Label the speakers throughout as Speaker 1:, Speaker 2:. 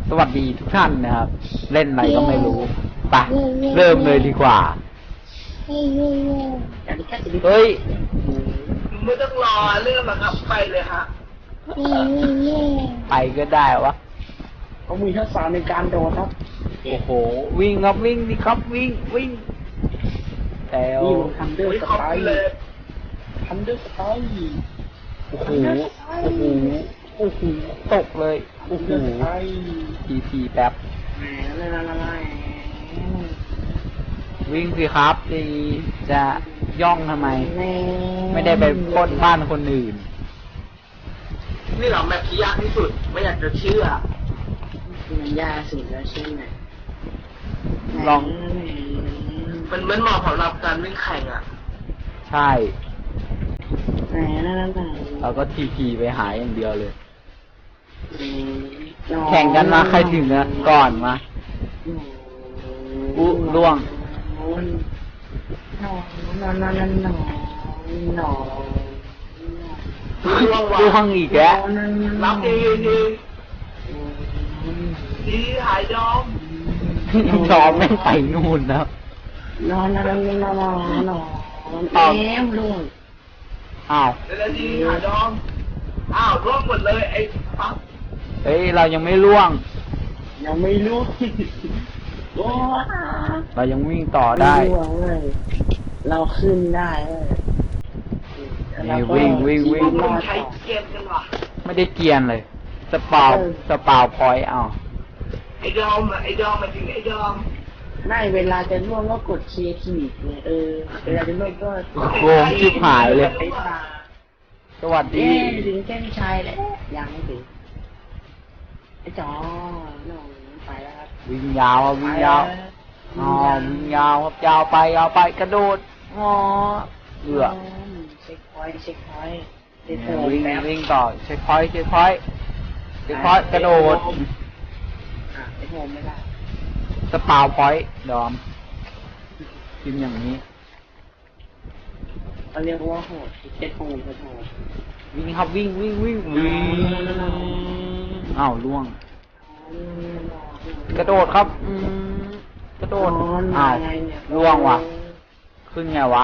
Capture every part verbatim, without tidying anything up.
Speaker 1: สวัสดีทุกท่านนะครับเล่นอะไรก็ไม่รู้ไปเริ่มเลยดีกว่าเฮ้ย
Speaker 2: ไม่ต้องรอเริ่มแล้วครับไปเลยฮะ
Speaker 1: ไปก็ได้วะ
Speaker 2: เขามีทักษะในการโดดครับ
Speaker 1: โอ้โหวิ่งครับวิ่งดิครับวิ่งวิ่งแล้ว
Speaker 2: ทันเดอร์สไตล์ทันเดอร์สไตล์
Speaker 1: โอ้โหโอ้โหโอ้โหตกเลยโอ้โหทีพีแป๊บวิ่งสิครับดีจะย่องทำไมไม่ได้ไปปล้นบ้านคนอื่น
Speaker 2: นี่เหรอแมปที่ยากที่สุดไม่อยากจะเชื่อมันยากสุดแล้วใช่ไหม
Speaker 1: ลอง
Speaker 2: มันเหมือนเหมาะสำหรับการวิ่งแข่งอ่ะ
Speaker 1: ใช่เราก็ทีพีไปหาอย่างเดียวเลยแข่งกันมาใครถึงนะก่อนมาอู้ล่วง
Speaker 2: นอนนอนนอนนอนนอนนอน
Speaker 1: ล่วงอีกแล้ว
Speaker 2: รับดีดีดีหายยอม
Speaker 1: ยอมไม่ไปนู่นแล้ว
Speaker 2: นอนนอนนอนนอนนอนเอ็มล่วง
Speaker 1: อ้าว
Speaker 2: เดี๋ยวดีหายยอมอ้าวล่วงหมดเลยไอ้ปั๊บ
Speaker 1: เฮ้ยเรายังไม่ล่วง
Speaker 2: ยังไม่ล่วง
Speaker 1: เรายังวิ่งต่อได้
Speaker 2: เราขึ้นได้
Speaker 1: นี่วิ่งวิ่งวิ่ง
Speaker 2: ใช้เกียร์กันวะ
Speaker 1: ไม่ได้เกียร์เลยสปาวสปาวพอยต์เอา
Speaker 2: ไอ้ดอมไอ้ดอมมาถึงไอ้ดอมไม่เวลาจะล่วงก็กดเคทีเนี่ยเออเวลาจะล่วงก็
Speaker 1: โกงชิบหายเลยสวัสดี
Speaker 2: ถึงเส้นชัยแล้วยังไม่ถึงไอ้จอน้องไปแล้วครับ
Speaker 1: วิ่งยาววิ่งยาวอ๋อวิ่งยาวครับยาวไปยาวไปกระโดดอ๋อเอือ
Speaker 2: เช็คพอยต์เช็คพอยต์
Speaker 1: วิ่งวิ่งต่อเช็คพอยต์เช็คพอยต์เช็คพอยต์กระโดด
Speaker 2: อ่ะไอ้โฮมไม่ได้
Speaker 1: สปาวพอยต์ดอมพิมพ์อย่างนี้
Speaker 2: เขาเรียกว่าโหดเช็คโฮมเช็คโฮม
Speaker 1: วิ่งครับวิ่งวิ่งวิ่งวิ่งอ้าวล่วงกระโดดครับอืมกระโดดอ้าวล่วงว่ะขึ้นไงวะ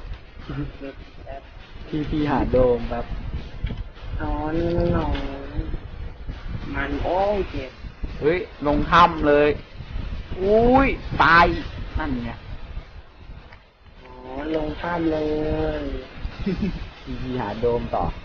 Speaker 1: พี่พี่หาโดมครับ
Speaker 2: นอนนอนมันโอ้ยเจ็บ
Speaker 1: เฮ้ยลงถ้ำเลยอุ้ยตายนั่นไง
Speaker 2: อ๋อลงถ้ำเลย
Speaker 1: พี่พี่หาโดมต่อ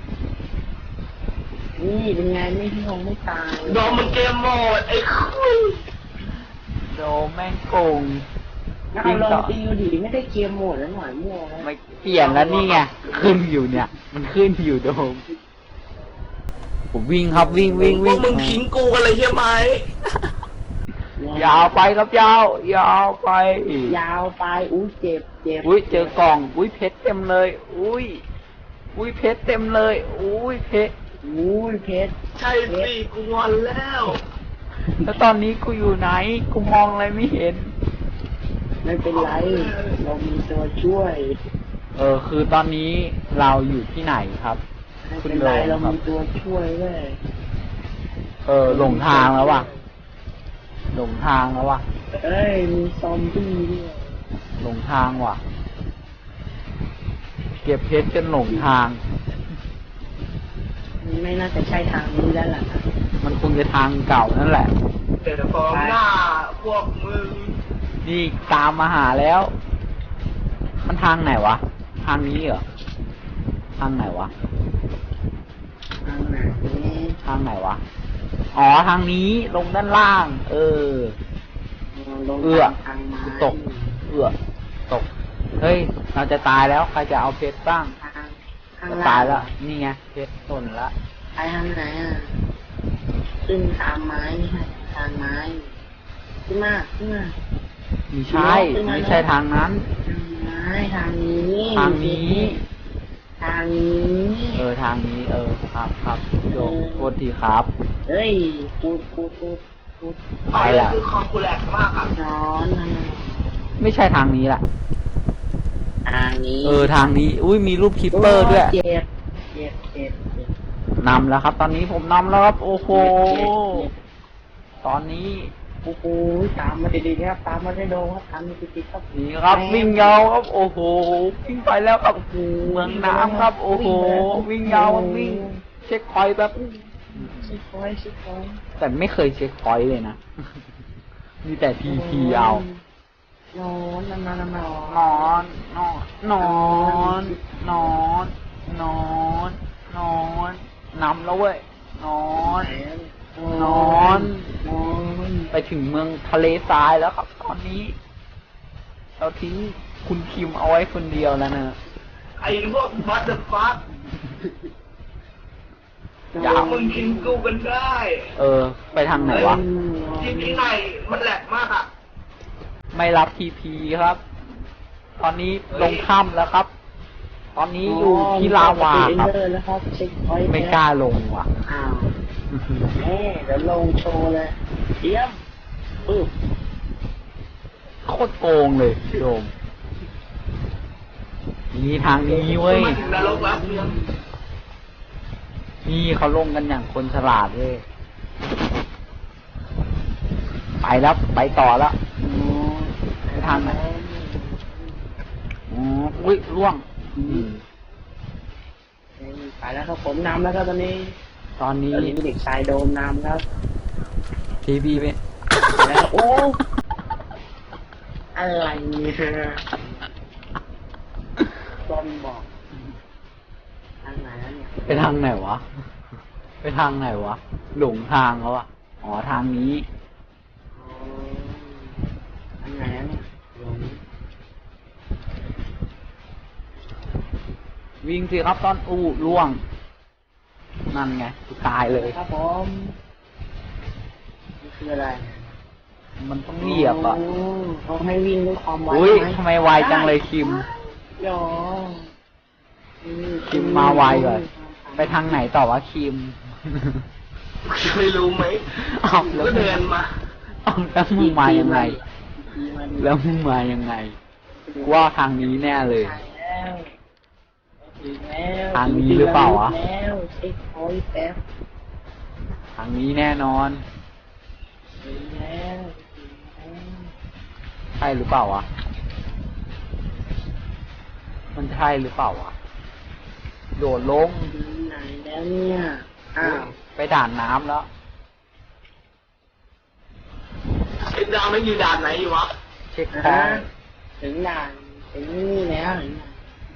Speaker 2: นี่เป็นไงไม่ที่คงไม่ตายโดมมันเกมโหมดไอ้คุย
Speaker 1: โดมแม่งโกง
Speaker 2: เราลองตีดูดิไม่ได้เกมโหมดแล้วหน่อยมั่ว
Speaker 1: ไม่เปลี่ยนแล้วนี่ไงขึ้นอยู่เนี่ยมันขึ้นอยู่โดมผมวิ่งครับวิ่งวิ่งวิ่ง
Speaker 2: มึงทิ้งกูกันเลยใช่ไหม
Speaker 1: ยาวไปครับยาวยาวไป
Speaker 2: ยาวไปอุ้ยเจ็บเจ็บ
Speaker 1: อุ้ยเจอกล่องอุ้ยเพชรเต็มเลยอุ้ยอุ้ยเพชรเต็มเลยอุ้ยเพชร
Speaker 2: อุ้ยเพชรใช่สิกูงอนแล้ว
Speaker 1: แล้วตอนนี้กูอยู่ไหนกูมองอะไรไม่เห็น
Speaker 2: ไม่เป็นไรเรามีตัวช่วย
Speaker 1: เออคือตอนนี้เราอยู่ที่ไหนครับ
Speaker 2: คุณโดมเรามีตัวช่วยเลย
Speaker 1: เออหลงทางแล้วว่ะหลงทางแล้วว่ะ
Speaker 2: เอ้ยมีซอมบี้ด้วย
Speaker 1: หลงทางว่ะเก็บเพชรจนหลงทาง
Speaker 2: ไม่น่าจะใช่ทางนี้แล้วล่ะ
Speaker 1: มันคงจะทางเก่านั่นแหละ
Speaker 2: เดี๋ยวฟ้องหน้าพวกมึง
Speaker 1: นี่ตามมาหาแล้วมันทางไหนวะทางนี้เหรอทางไหนวะ
Speaker 2: ทางไหน
Speaker 1: ทางไหนวะอ๋อทางนี้ลงด้านล่างเออเอื้อตกเอื้อตกเฮ้ยเราจะตายแล้วใครจะเอาเพชรบ้างตายแล้วนี่ไงเพชรหล่นละ
Speaker 2: ไปทางไหนอ่ะขึ้นทางไม้นี่ฮะทางไม้ขึ้นมาขึ้นมา
Speaker 1: ไม่ใช่ไม่ใช่ทางนั้น
Speaker 2: ไม่ทางนี้
Speaker 1: ทางนี้
Speaker 2: ทางนี้
Speaker 1: เออทางนี้เออครับครับโยกโทษทีครับ
Speaker 2: เฮ้ยพูดพูดพูดพูด
Speaker 1: ไปละ
Speaker 2: คือคอมคูแลกมากอ่ะนอน
Speaker 1: ไม่ใช่ทางนี้แหละ
Speaker 2: ทางนี้
Speaker 1: เออทางนี้อุ้ยมีรูปคิปเปอร์ด้วย
Speaker 2: เจ็บเจ็บเจ็บ
Speaker 1: นำแล้วครับตอนนี้ผมนำแล้วครับโอ้โหผตอนนี้
Speaker 2: โอ้โหตามมาติดๆครับตามมาได้โดครับตามมาติดๆครับ
Speaker 1: นี่ครับวิ่งยาวครับโอ้โหวิ่งไปแล้วครับเมืองน้ำครับ โอ้โหวิ่งยาววิ่งเช็คพอยต์แบบ
Speaker 2: เช็คพอยต์เช็คพอยต์
Speaker 1: แต่ไม่เคยเช็คพอยต์เลยนะ มีแต่ทีพีเอา
Speaker 2: นอนนอนนอนนอน
Speaker 1: นอนนอนนอนนอนนอนนอนนำแล้วเว้ยนอนนอน
Speaker 2: นอน
Speaker 1: ไปถึงเมืองทะเลทรายแล้วครับ ตอนนี้ เราทิ้งคุณคิมเอาไว้คนเดียวแล้วนะ
Speaker 3: ไอ้พวกบัตเตอร์ฟัค
Speaker 1: อย่า
Speaker 3: มึงกินกูกันได้
Speaker 1: เออ ไปทางไหนวะ
Speaker 3: ที่ที่ไหนมันแหลกมากอ่ะ
Speaker 1: ไม่รับทีพีครับ ตอนนี้ลงถ้ำแล้วครับ ตอนนี้อยู่ที่ลาวาครับ
Speaker 2: แล้วครับเช็คพอยต์
Speaker 1: ไม่กล้าลงว่ะ
Speaker 2: อ้าวแม่เดี๋ยวลงโชว์เลยเยี่ยมปึ๊บ
Speaker 1: โคตรโกงเลยโดมนี่ทางนี้เว้ย
Speaker 3: มาถึงนรกแล้วเพื่อน
Speaker 1: นี่เขาลงกันอย่างคนฉลาดเว้ย ไปแล้วไปต่อแล้ว ไปทางไหน อ๋ออุ้ยร่วงอืม
Speaker 2: ไปแล้วครับผมนำแล้วครับตอนนี้
Speaker 1: ตอนนี้
Speaker 2: ตอนนี้เด็กชายโดมนำครับ
Speaker 1: ทีพีไป
Speaker 2: แล้วโอ้อะไรเนี่ยต้นบอกทางไหนแล้วเนี่ย
Speaker 1: ไปทางไหนวะ ไปทางไหนวะ หลงทางเขาอะอ๋อทางนี้
Speaker 2: อ๋อทางไหนแล้วเนี่ยลง
Speaker 1: วิ่งสิครับตอนอู้ล่วง นั่นไงตายเลย
Speaker 2: ครับผมนี่คืออะไร
Speaker 1: มันต้องเหยียบอ่ะ
Speaker 2: โเขาให้วิ่งด้วยความไว
Speaker 1: อุ้ย
Speaker 2: ห
Speaker 1: ทำไมไวจังเลยคิม
Speaker 2: หยอ
Speaker 1: คิมมาไวก่อนไปทางไหนต่อวะคิม
Speaker 3: ไม่รู้ไหม
Speaker 1: อ้าวแล้ว
Speaker 3: ก็เดินมา
Speaker 1: อ้าวแล้วมึงมายังไง แล้วมึงมายังไงกูว่าทางนี้แน่เลย
Speaker 2: ใช่แล้วถึงแล้ว
Speaker 1: ทางนี้หรือเปล่าวะ
Speaker 2: ถึงแล้วเช็คพอยต์แป๊บ
Speaker 1: ทางนี้แน่นอน
Speaker 2: ถึงแล้วถึงแล้ว
Speaker 1: ใช่หรือเปล่าวะ มันใช่หรือเปล่าวะ โดดลง
Speaker 2: ถึงไหนแล้วเนี่ยอ้าว
Speaker 1: ไปด่านน้ำแล้ว
Speaker 3: ไอ้ดาวไม่อยู่ด่านไหนอยู่วะ
Speaker 1: เช็คพอ
Speaker 2: ฮะ
Speaker 1: ยต์
Speaker 2: ถึงด่านถึงนี่แล้วถึงด่าน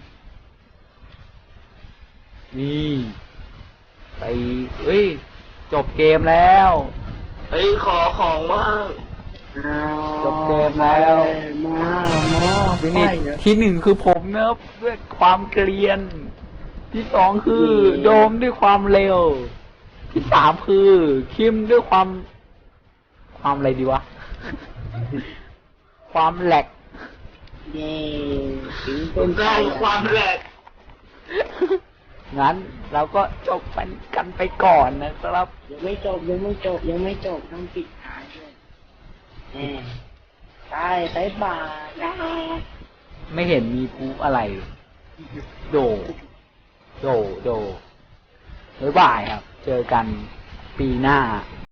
Speaker 1: นี่ ไปเอ้ย จบเกมแล้ว
Speaker 3: เฮ้ยขอของว่าง
Speaker 2: อ้าว
Speaker 1: จบเกมแล้ว
Speaker 2: มามา
Speaker 1: วินิจ
Speaker 2: ไปเหรอ
Speaker 1: ที่หนึ่งคือผมนะครับด้วยความเกลียน ที่สองคือโดมด้วยความเร็ว ที่สามคือคิมด้วยความ ความอะไรดีวะ ความแหลก
Speaker 2: เย่ถึง
Speaker 3: ผ
Speaker 2: ต้น
Speaker 3: มก็
Speaker 2: ไทร
Speaker 3: เอาความแหลก
Speaker 1: งั้นเราก็จบกันกันไปก่อนนะครับ
Speaker 2: ยังไม่จบยังไม่จบยังไม่จบต้องปิดท้ายด้วยแหมใช่ใส่บาทนะ
Speaker 1: ไม่เห็นมีพูอะไร โด โด โดบ๊ายบายครับ เจอกันปีหน้า